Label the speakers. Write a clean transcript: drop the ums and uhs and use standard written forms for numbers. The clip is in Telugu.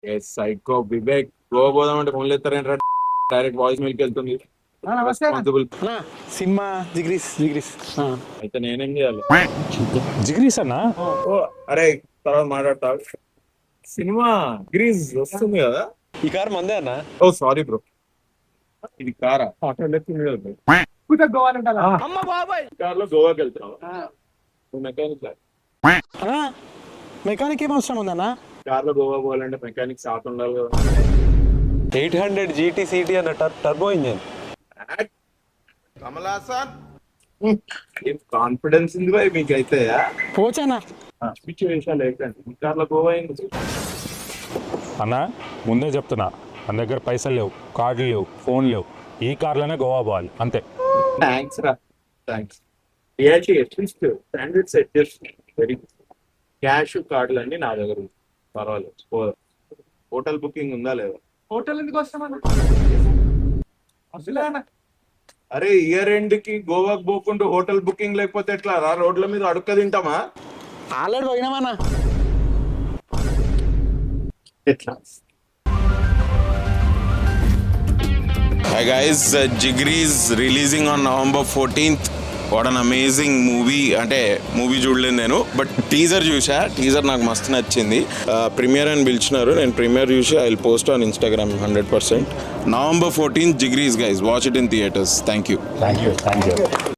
Speaker 1: సైకో వివేక్ గోవా పోదాం అంటే ఫోన్లు ఎత్తారేంట్రా డైరెక్ట్ వాయిస్ మెయిల్కి వెళ్తుంది. రెస్పాన్సిబుల్.
Speaker 2: అన్నా సినిమా జిగ్రీస్ జిగ్రీస్
Speaker 1: అయితే నేనేం చేయాలి?
Speaker 2: జిగ్రీస్ అన్నా
Speaker 1: ఓ అరే తర్వాత మాట్లాడతా. సినిమా గ్రీజ్ వస్తుంది కదా.
Speaker 2: ఈ కార్ మందే అన్నా.
Speaker 1: ఓ సారీ బ్రో, ఇది కారా? ఆటో లెక్కింది కదా bro. కార్ లో గోవాకి వెళ్తున్నావు నువ్వు మెకానిక్
Speaker 2: అన్నా మెకానిక్ ఏం అవసరం ఉందన్నా?
Speaker 1: కార్ లో గోవా పోవాలంటే మెకానిక్ షాప్ ఉండాలి కదా.
Speaker 2: 800 GT CT అన్న టర్బో ఇంజన్.
Speaker 1: ఏం కాన్ఫిడెన్స్ ఉంది బాయ్ మీకైతే.
Speaker 2: పోచానా
Speaker 1: పిచ్చి విషయాలు ఏంటంటే కార్ లో గోవా అయింది.
Speaker 3: అన్నా ముందే చెప్తున్నా, మన దగ్గర పైసలు లేవు, కార్డులు లేవు, ఫోన్ లేవు, ఈ కార్లోనే గోవా పోవాలి అంతే.
Speaker 1: థ్యాంక్స్ రా, థ్యాంక్స్. రియాచి అట్లీస్ట్ స్టాండర్డ్ సెట్ చేస్తుంది. Very good. క్యాష్ కార్డులు అన్ని నా దగ్గర ఉంది, పర్వాలేదు. హోటల్ బుకింగ్ ఉందా లేదా?
Speaker 4: హోటల్ ఎందుకు వస్తామన్నా?
Speaker 1: అరే ఇయర్ ఎండ్ కి గోవాకి పోకుండా హోటల్ బుకింగ్ లేకపోతే ఎట్లా రా? రోడ్ల మీద అడుక్క తింటామా?
Speaker 2: ఆల్రెడీ పోయినామన్నా.
Speaker 1: ఎట్లా?
Speaker 5: Hi guys, Jigri is releasing on November 14th. What an amazing movie. అంటే మూవీ చూడలేదు నేను, బట్ టీజర్ చూసా. టీజర్ నాకు మస్తు నచ్చింది. ప్రీమియర్ అని పిలిచినారు, నేను ప్రీమియర్ చూసి I will post on Instagram 100%. November 14th, Jigri, guys. Watch it in theaters. Thank you.